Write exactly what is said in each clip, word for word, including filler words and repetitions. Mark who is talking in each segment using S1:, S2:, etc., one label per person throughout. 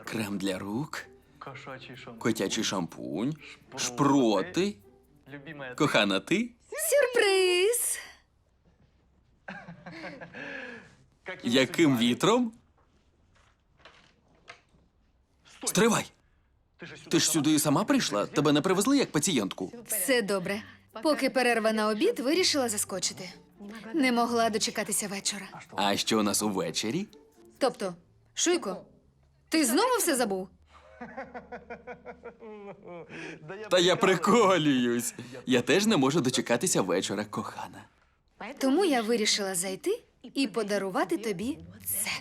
S1: Крем для рук,
S2: Кошачий шампунь.
S1: котячий шампунь, шпроти.
S2: Любимая.
S1: Кохана, ти?
S3: Сюрприз!
S2: Каким
S1: Яким
S2: судьба?
S1: вітром?
S2: Стой.
S1: Стривай!
S2: Ти ж сюди
S1: Ти ж
S2: сама.
S1: сюди сама прийшла? Тебе не привезли як пацієнтку?
S3: Все добре. Поки перерва на обід, вирішила заскочити. Не могла дочекатися вечора.
S1: А що у нас увечері?
S3: Тобто, Шуйко, ти знову все забув?
S2: Да я
S1: Та я
S2: прикалуюсь.
S1: приколююсь. Я теж не можу дочекатися вечора, кохана.
S3: Тому я вирішила зайти і подарувати тобі це.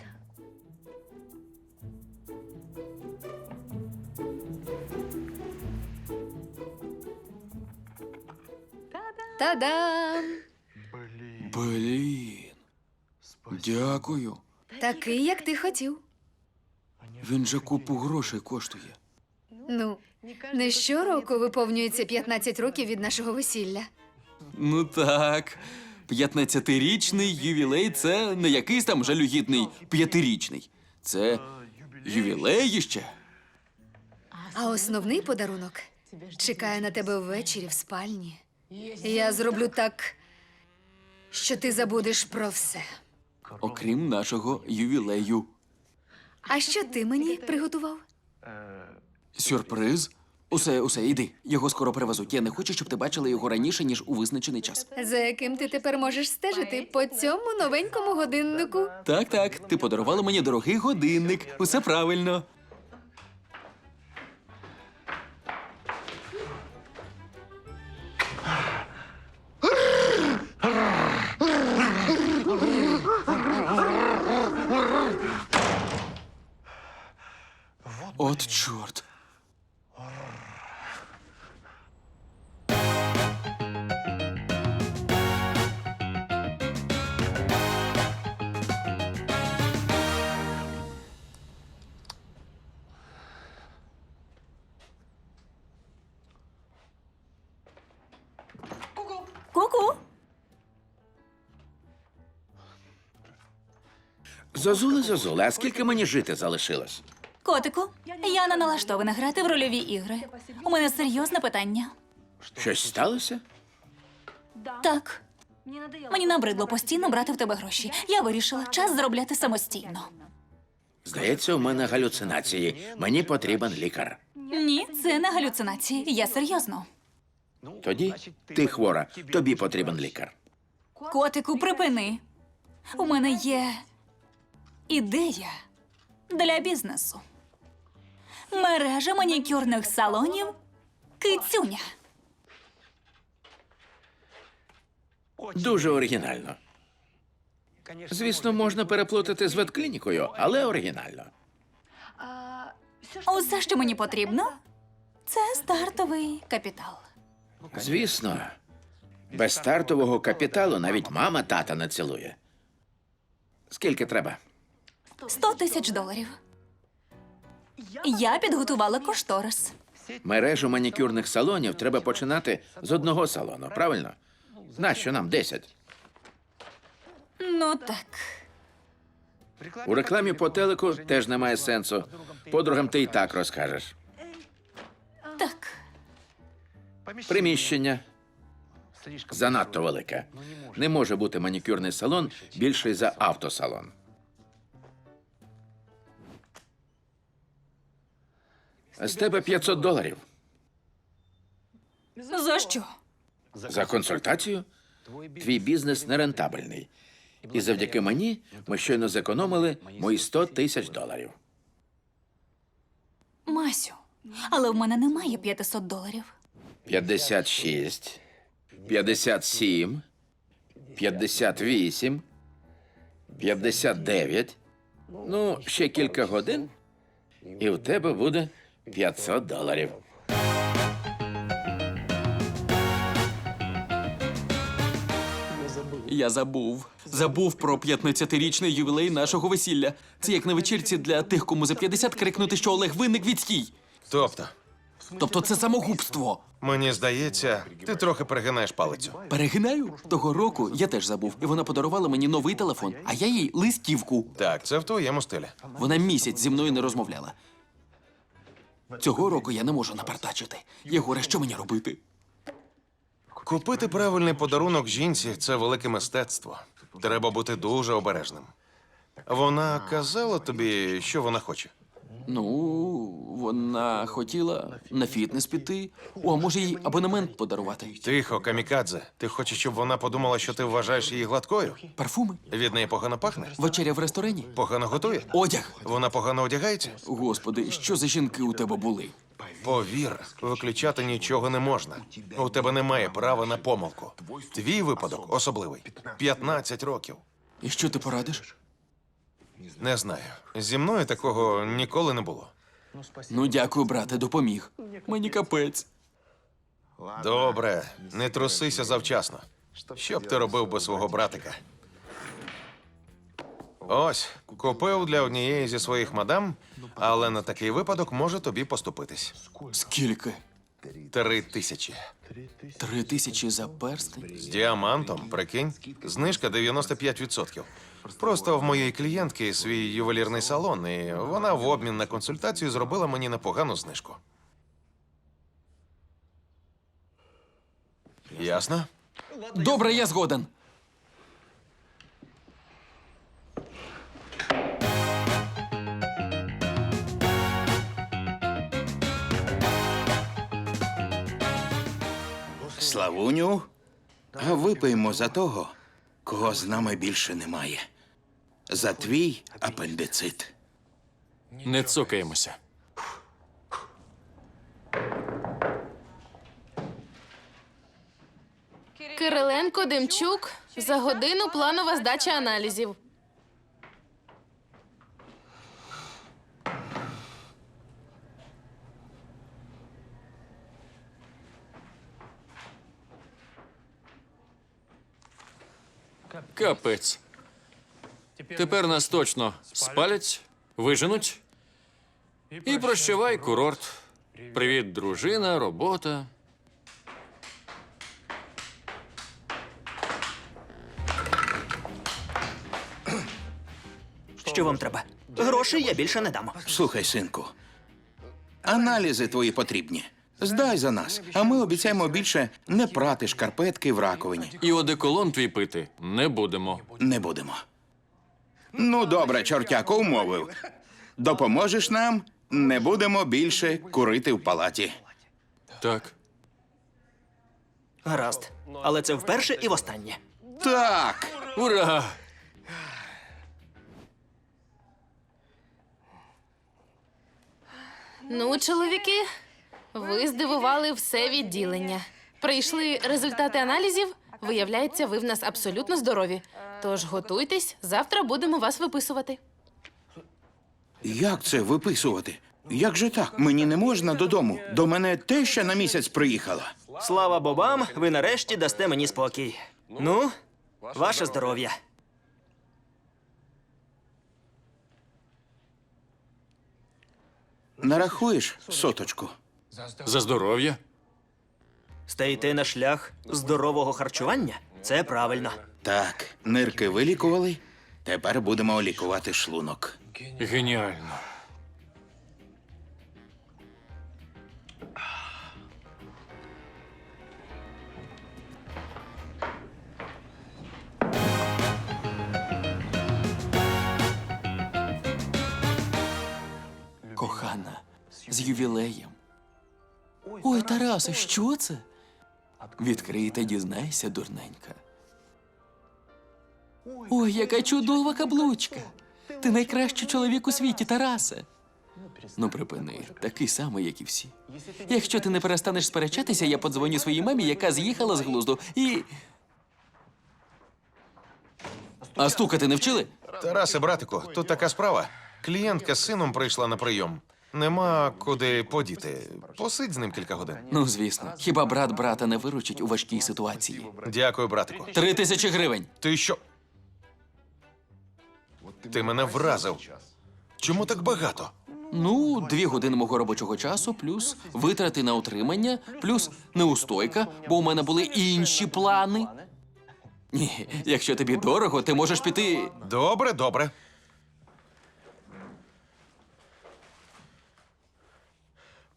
S3: Та-дам!
S2: Блін.
S1: Блін,
S2: Спасибо.
S1: дякую.
S3: Такий, як ти хотів.
S1: Він же купу грошей коштує.
S3: Ну, не щороку виповнюється п'ятнадцять років від нашого весілля.
S1: Ну так. П'ятнадцятирічний ювілей це не якийсь там жалюгідний п'ятирічний. Це ювілей ще.
S3: А основний подарунок чекає на тебе ввечері в спальні. Я зроблю так, що ти забудеш про все.
S1: Окрім нашого ювілею.
S3: А що ти мені приготував?
S2: Е,
S1: Сюрприз? Усе, усе, іди. Його скоро привезуть. Я не хочу, щоб ти бачила його раніше, ніж у визначений час.
S3: За яким ти тепер можеш стежити по цьому новенькому годиннику?
S1: Так, так, ти подарувала мені дорогий годинник. Усе правильно. От чорт.
S4: Ку-ку.
S5: Зозуле, Зозуле, а скільки мені жити залишилось?
S4: Котику, я не налаштована грати в рольові ігри. У мене серйозне питання.
S5: Щось сталося?
S4: Так. Мені набридло постійно брати в тебе гроші. Я вирішила час заробляти самостійно.
S5: Здається, у мене галюцинації. Мені потрібен лікар.
S4: Ні, це не галюцинації. Я серйозно.
S5: Тоді ти хвора, тобі потрібен лікар.
S4: Котику, припини. У мене є ідея для бізнесу. Мережа манікюрних салонів Кицюня.
S5: Дуже оригінально. Звісно, можна переплутати з ветклінікою, але оригінально.
S4: Усе, що мені потрібно, це стартовий капітал.
S5: Звісно, без стартового капіталу навіть мама тата не цілує. Скільки треба?
S4: Сто тисяч доларів. Я підготувала кошторис.
S5: Мережу манікюрних салонів треба починати з одного салону, правильно? Нащо нам десять?
S4: Ну так.
S5: У рекламі по телеку теж немає сенсу. Подругам ти і так розкажеш.
S4: Так.
S5: Приміщення занадто велике. Не може бути манікюрний салон більший за автосалон. З тебе п'ятсот доларів.
S4: За що?
S5: За консультацію? Твій бізнес нерентабельний. І завдяки мені ми щойно зекономили мої сто тисяч доларів.
S4: Масю, але в мене немає п'ятсот доларів.
S5: п'ятдесят шість, п'ятдесят сім, п'ятдесят вісім, п'ятдесят дев'ять. Ну, ще кілька годин, і в тебе буде п'ятсот доларів.
S1: Я забув. Забув про п'ятнадцятирічний ювілей нашого весілля. Це як на вечірці для тих, кому за п'ятдесят крикнути, що Олег винник відстій.
S6: Тобто,
S1: Тобто це самогубство.
S6: мені здається, ти трохи перегинаєш палицю.
S1: Перегинаю? Того року я теж забув, і вона подарувала мені новий телефон, а я їй листівку.
S6: Так, це в твоєму стилі.
S1: Вона місяць зі мною не розмовляла. Цього року я не можу напартачити. Єгоре, що мені робити?
S6: Купити правильний подарунок жінці це велике мистецтво. Треба бути дуже обережним. Вона казала тобі, що вона хоче.
S1: Ну, вона хотіла на фітнес піти. О, а може їй абонемент подарувати?
S6: Тихо, камікадзе. Ти хочеш, щоб вона подумала, що ти вважаєш її гладкою?
S1: Парфуми?
S6: Від неї погано пахне?
S1: Вечеря в ресторані?
S6: Погано готує?
S1: Одяг?
S6: Вона погано одягається?
S1: Господи, що за жінки у тебе були?
S6: Повір, виключати нічого не можна. У тебе немає права на помилку. Твій випадок особливий. п'ятнадцять років.
S1: І що ти порадиш?
S6: Не знаю. Зі мною такого ніколи не було.
S1: Ну, дякую, брате, допоміг. Мені капець.
S6: Добре, не трусися завчасно. Що б ти робив без свого братика? Ось, купив для однієї зі своїх мадам, але на такий випадок може тобі поступитись.
S1: Скільки?
S6: Три тисячі.
S1: Три тисячі за перстень?
S6: З діамантом, прикинь, знижка дев'яносто п'ять відсотків. Просто в моєї клієнтки свій ювелірний салон, і вона в обмін на консультацію зробила мені непогану знижку. Ясно?
S1: Добре, я згоден.
S7: Славуню, а випиймо за того, кого з нами більше немає. За твій апендицит.
S8: Не цокаємося.
S9: Кириленко, Демчук. За годину планова здача аналізів.
S8: Капець. Тепер нас точно спалять, виженуть. І прощавай, курорт. Привіт, дружина, робота.
S10: Що вам треба? Грошей я більше не дам.
S7: Слухай, синку, аналізи твої потрібні. Здай за нас, а ми обіцяємо більше не прати шкарпетки в раковині.
S8: І одеколон твій пити не будемо.
S7: Не будемо. Ну, добре, чортяко, умовив. Допоможеш нам, не будемо більше курити в палаті.
S8: Так.
S10: Гаразд. Але це вперше і востаннє.
S7: Так!
S8: Ура!
S9: Ну, чоловіки, ви здивували все відділення. Прийшли результати аналізів. Виявляється, ви в нас абсолютно здорові. Тож готуйтесь, завтра будемо вас виписувати.
S7: Як це виписувати? Як же так? Мені не можна додому. До мене теща на місяць приїхала.
S10: Слава бобам, ви нарешті дасте мені спокій. Ну, ваше здоров'я.
S7: Нарахуєш соточку?
S8: За здоров'я.
S10: Стаєте на шлях здорового харчування? Це правильно.
S7: Так, нирки вилікували. Тепер будемо лікувати шлунок.
S8: Геніально.
S1: Кохана, з ювілеєм. Ой, Тарасе, що це? Відкрий та дізнайся, дурненька. Ой, яка чудова каблучка. Ти найкращий чоловік у світі, Тарасе. Ну, припини, такий самий, як і всі. Якщо ти не перестанеш сперечатися, я подзвоню своїй мамі, яка з'їхала з глузду, і... А стукати не вчили?
S6: Тарасе, братику, тут така справа. Клієнтка з сином прийшла на прийом. Нема куди подіти. Посидь з ним кілька годин.
S1: Ну, звісно. Хіба брат брата не виручить у важкій ситуації?
S6: Дякую, братику.
S1: Три тисячі гривень.
S6: Ти що? Ти мене вразив. Чому так багато?
S1: Ну, дві години мого робочого часу, плюс витрати на утримання, плюс неустойка, бо у мене були інші плани. Ні, якщо тобі дорого, ти можеш піти.
S6: Добре, добре.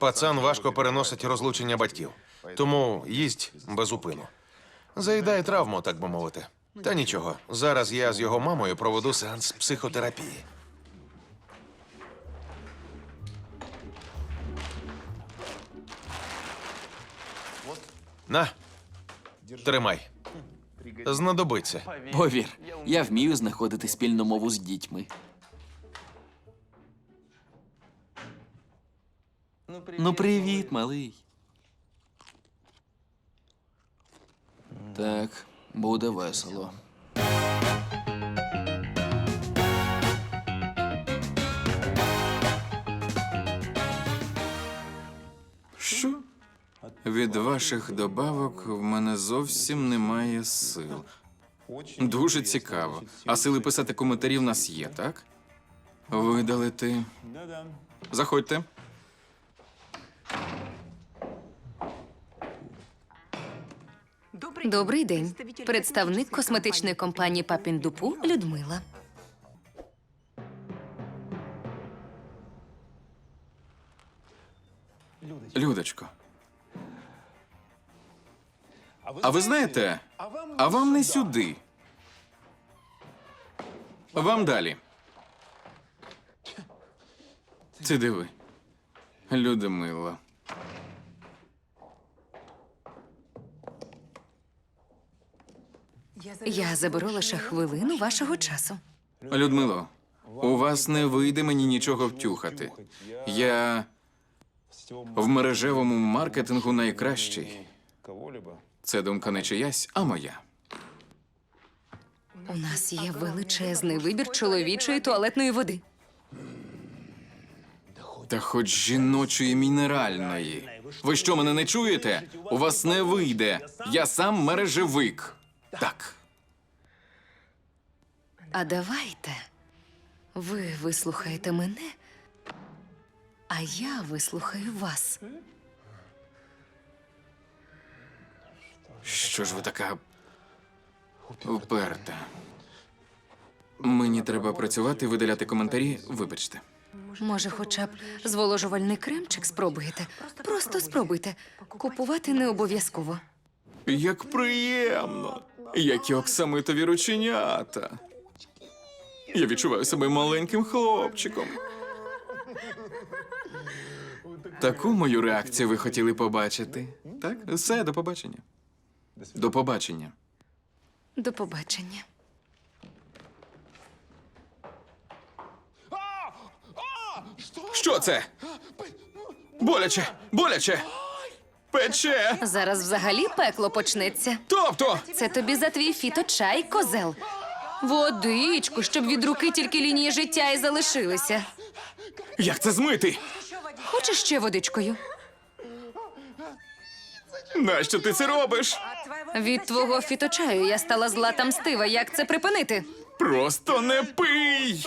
S6: Пацан важко переносить розлучення батьків, тому їсть без упину. Заїдає травму, так би мовити. Та нічого, зараз я з його мамою проведу сеанс психотерапії. На, тримай. Знадобиться.
S1: Повір, я вмію знаходити спільну мову з дітьми. Ну, привіт, малий. Так, буде весело.
S11: Що? Від ваших добавок в мене зовсім немає сил. Дуже цікаво. А сили писати коментарі в нас є, так? Видалити. Заходьте.
S3: Добрий день. Представник косметичної компанії Папіндупу Людмила.
S11: Людочко. А ви знаєте, а вам не сюди. Вам далі. Ти диви. Людмила.
S3: Я заберу лише хвилину вашого часу.
S11: Людмило, у вас не вийде мені нічого втюхати. Я в мережевому маркетингу найкращий. Це думка не чиясь, а моя.
S3: У нас є величезний вибір чоловічої туалетної води.
S11: Та хоч жіночої мінеральної. Ви що, мене не чуєте? У вас не вийде. Я сам мережевик. Так.
S3: А давайте ви вислухаєте мене, а я вислухаю вас.
S11: Що ж ви така вперта? Мені треба працювати, видаляти коментарі. Вибачте.
S3: Може, хоча б зволожувальний кремчик спробуєте? Просто спробуйте. Купувати не обов'язково.
S11: Як приємно! Які оксамитові рученята. Я відчуваю себе маленьким хлопчиком. Таку мою реакцію ви хотіли побачити. Так? Все, до побачення. До побачення.
S3: До побачення.
S11: Що це? Боляче! Боляче! Пече!
S3: Зараз взагалі пекло почнеться.
S11: Тобто!
S3: Це тобі за твій фіточай, козел. Водичку, щоб від руки тільки лінії життя і залишилися.
S11: Як це змити?
S3: Хочеш ще водичкою?
S11: Нащо ти це робиш?
S3: Від твого фіточаю я стала зла та мстива. Як це припинити?
S11: Просто не пий!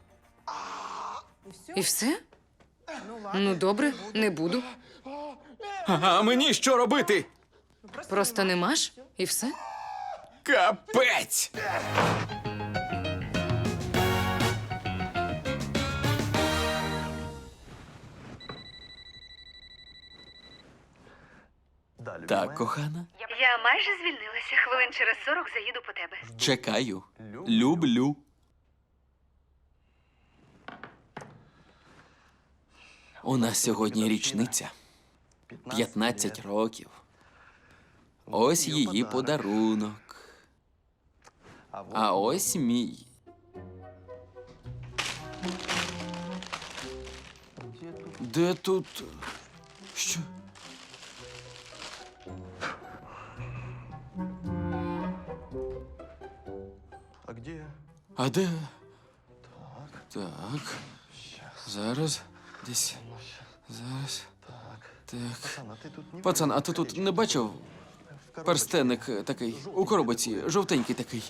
S3: І все? Ну, добре, не буду.
S11: А мені що робити?
S3: Просто не маш, і все.
S11: Капець!
S1: Так, кохана,
S3: Я майже звільнилася. Хвилин через сорок заїду по тебе.
S1: чекаю. Люблю. У нас сьогодні річниця. п'ятнадцять років. Ось її подарунок. А ось мій. Де тут? Що?
S2: А где?
S1: А де? Так. Зараз. Десь. Зараз. Так.
S2: Пацан, а ты тут не...
S1: Пацан, а ти тут не бачив? Перстенник такий, у коробочці, жовтенький такий.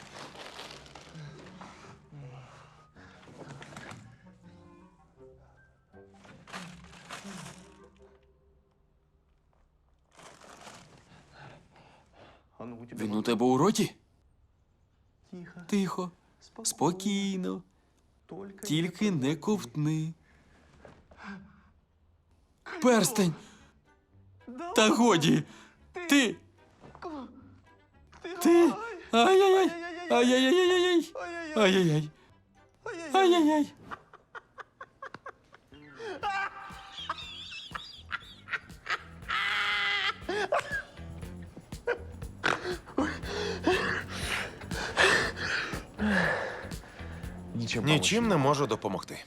S2: Он у тебя...
S1: Він у тебе у роті?
S2: Тихо.
S1: Тихо, спокійно,
S2: Только...
S1: тільки не ковтни. Перстень! Та годі! Ти! Ти! Ай-яй-яй! Ай-яй-яй-яй-яй! Ай-яй-яй! Ай-яй-яй!
S6: Нічим не можу допомогти.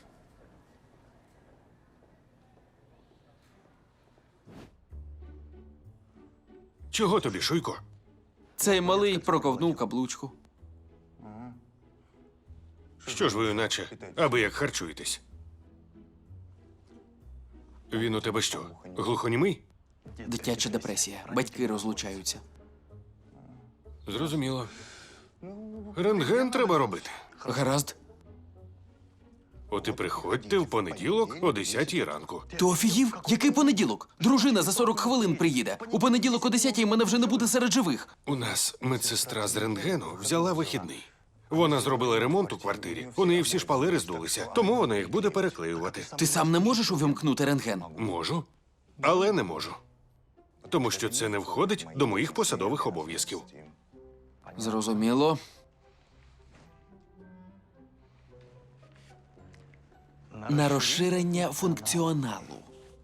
S8: Чого тобі, Шуйко?
S1: Цей малий проковнув каблучку.
S8: Що ж ви наче, аби як харчуєтесь? Він у тебе що, глухонімий?
S1: Дитяча депресія. Батьки розлучаються.
S8: Зрозуміло. Рентген треба робити.
S1: Гаразд.
S8: От і приходьте в понеділок о десятій ранку.
S1: Ти офігів? Який понеділок? Дружина за сорок хвилин приїде. У понеділок о десятій мене вже не буде серед живих.
S8: У нас медсестра з рентгену взяла вихідний. Вона зробила ремонт у квартирі. У неї всі шпалери здулися, тому вона їх буде переклеювати.
S1: Ти сам не можеш увімкнути рентген?
S8: Можу, але не можу. Тому що це не входить до моїх посадових обов'язків.
S1: Зрозуміло. На розширення функціоналу.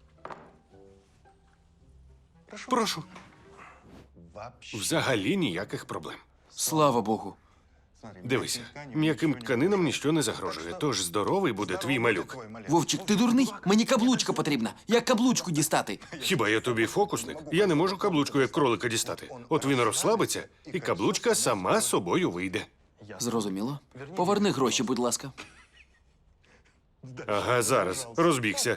S8: Прошу. Взагалі ніяких проблем.
S1: Слава Богу.
S8: Дивися, м'яким тканинам ніщо не загрожує, тож здоровий буде твій малюк.
S1: Вовчик, ти дурний? Мені каблучка потрібна. Як каблучку дістати?
S8: Хіба я тобі фокусник? Я не можу каблучку як кролика дістати. От він розслабиться, і каблучка сама собою вийде.
S1: Зрозуміло. Поверни гроші, будь ласка.
S8: Ага, зараз. Розбігся.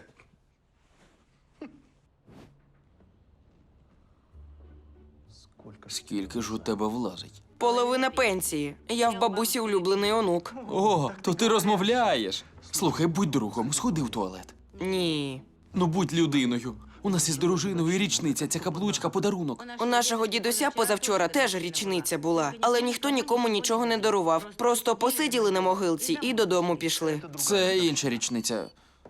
S1: Скільки ж у тебе влазить?
S12: Половина пенсії. Я в бабусі улюблений онук.
S1: О, то ти розмовляєш. Слухай, будь другом, сходи в туалет.
S12: Ні.
S1: Ну, будь людиною. У нас із дружиною річниця, ця каблучка подарунок.
S12: У нашого дідуся позавчора теж річниця була, але ніхто нікому нічого не дарував. Просто посиділи на могилці і додому пішли.
S1: Це інша річниця.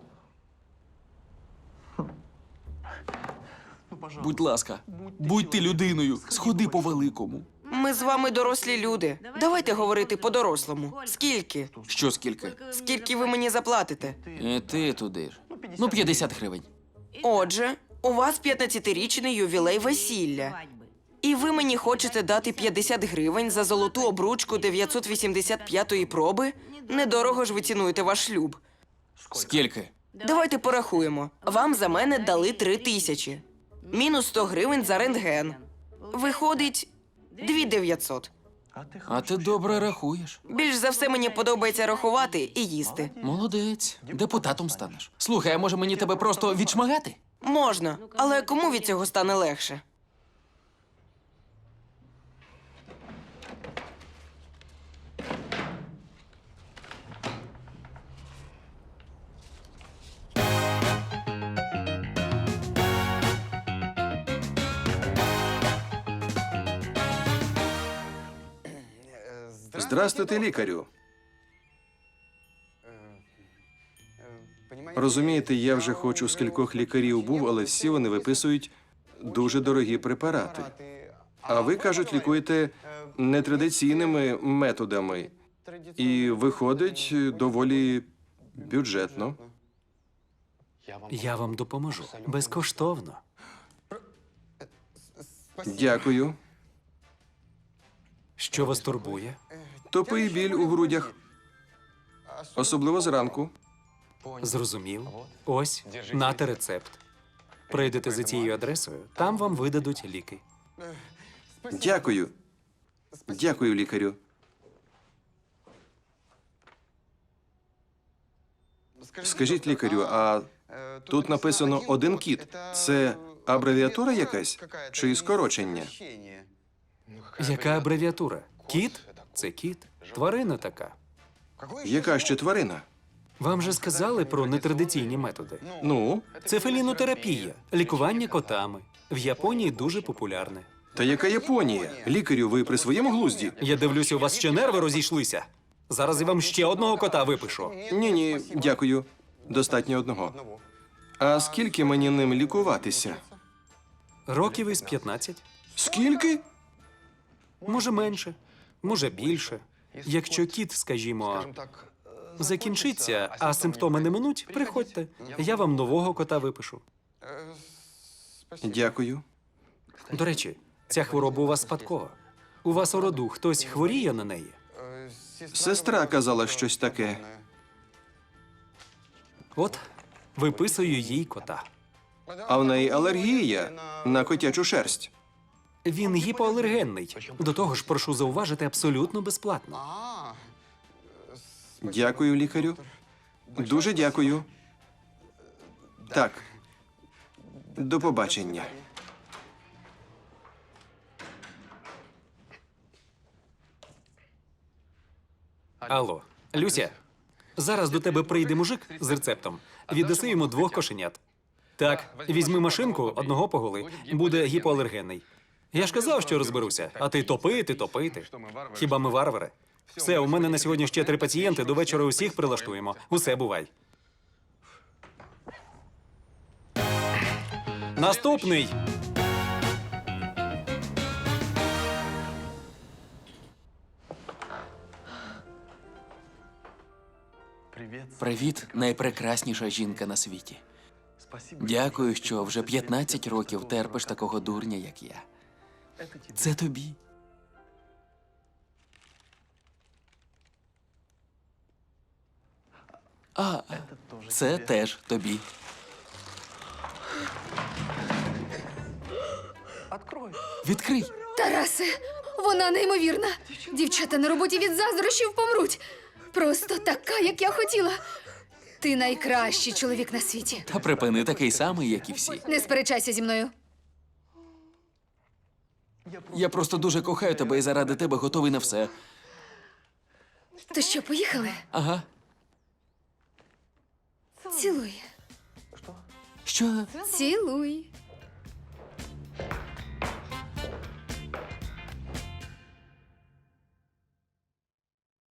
S1: Будь ласка, будь ти людиною, сходи по великому.
S12: Ми з вами дорослі люди. Давайте говорити по-дорослому. Скільки?
S1: Що скільки?
S12: Скільки ви мені заплатите?
S1: І ти туди ж. Ну, п'ятдесят гривень.
S12: Отже, у вас п'ятнадцятирічний ювілей весілля. І ви мені хочете дати п'ятдесят гривень за золоту обручку дев'ятсот вісімдесят п'ятої проби? Недорого ж ви цінуєте ваш шлюб.
S1: Скільки?
S12: Давайте порахуємо. Вам за мене дали три тисячі. Мінус сто гривень за рентген. Виходить дві дев'ятсот.
S1: А ти добре рахуєш.
S12: Більш за все мені подобається рахувати і їсти.
S1: Молодець. Депутатом станеш. Слухай, а може мені тебе просто відшмагати?
S12: Можна, але кому від цього стане легше?
S13: Здрастуйте, лікарю. Розумієте, я вже хоч у скількох лікарів був, але всі вони виписують дуже дорогі препарати. А ви, кажуть, лікуєте нетрадиційними методами. І виходить доволі бюджетно.
S14: Я вам допоможу. Безкоштовно.
S13: Дякую.
S14: Що вас турбує?
S13: Тупий біль у грудях. Особливо зранку.
S14: Зрозумів. Ось, нате рецепт. Прийдете за цією адресою, там вам видадуть ліки.
S13: Дякую. Дякую, лікарю. Скажіть, лікарю, а тут написано один кіт. Це абревіатура якась чи скорочення?
S14: Яка абревіатура? Кіт? Це кіт. Тварина така.
S13: Яка ще тварина?
S14: Вам же сказали про нетрадиційні методи.
S13: Ну?
S14: Це фелінотерапія, лікування котами. В Японії дуже популярне.
S13: Та яка Японія? Лікарю, ви при своєму глузді?
S14: Я дивлюся, у вас ще нерви розійшлися. Зараз я вам ще одного кота випишу.
S13: Ні-ні, дякую. Достатньо одного. А скільки мені ним лікуватися?
S14: Років із п'ятнадцять.
S13: Скільки?
S14: Може менше, може більше. Якщо кіт, скажімо, закінчиться, а симптоми не минуть, приходьте. Я вам нового кота випишу.
S13: Дякую.
S14: До речі, ця хвороба у вас спадкова. У вас у роду хтось хворіє на неї?
S13: Сестра казала щось таке.
S14: От, виписую їй кота.
S13: А в неї алергія на котячу шерсть.
S14: Він гіпоалергенний. До того ж, прошу зауважити, абсолютно безплатно.
S13: Дякую, лікарю. Дуже дякую. Так. До побачення.
S14: Алло, Люся, зараз до тебе прийде мужик з рецептом. Віддаси йому двох кошенят. Так, візьми машинку, одного поголи. Буде гіпоалергенний. Я ж казав, що розберуся, а ти топити, топити. Хіба ми варвари? Все, у мене на сьогодні ще три пацієнти, до вечора усіх прилаштуємо. Усе, бувай. Наступний.
S1: Привіт, найпрекрасніша жінка на світі. Дякую, що вже п'ятнадцять років терпиш такого дурня, як я. Це тобі. А, це теж тобі. Відкрий.
S3: Тарасе, вона неймовірна. Дівчата на роботі від заздрощів помруть. Просто така, як я хотіла. Ти найкращий чоловік на світі.
S1: Та припини, такий самий, як і всі.
S3: Не сперечайся зі мною.
S1: Я просто дуже кохаю тебе і заради тебе готовий на все.
S3: То що, поїхали?
S1: Ага.
S3: Цілуй.
S1: Що?
S3: Цілуй.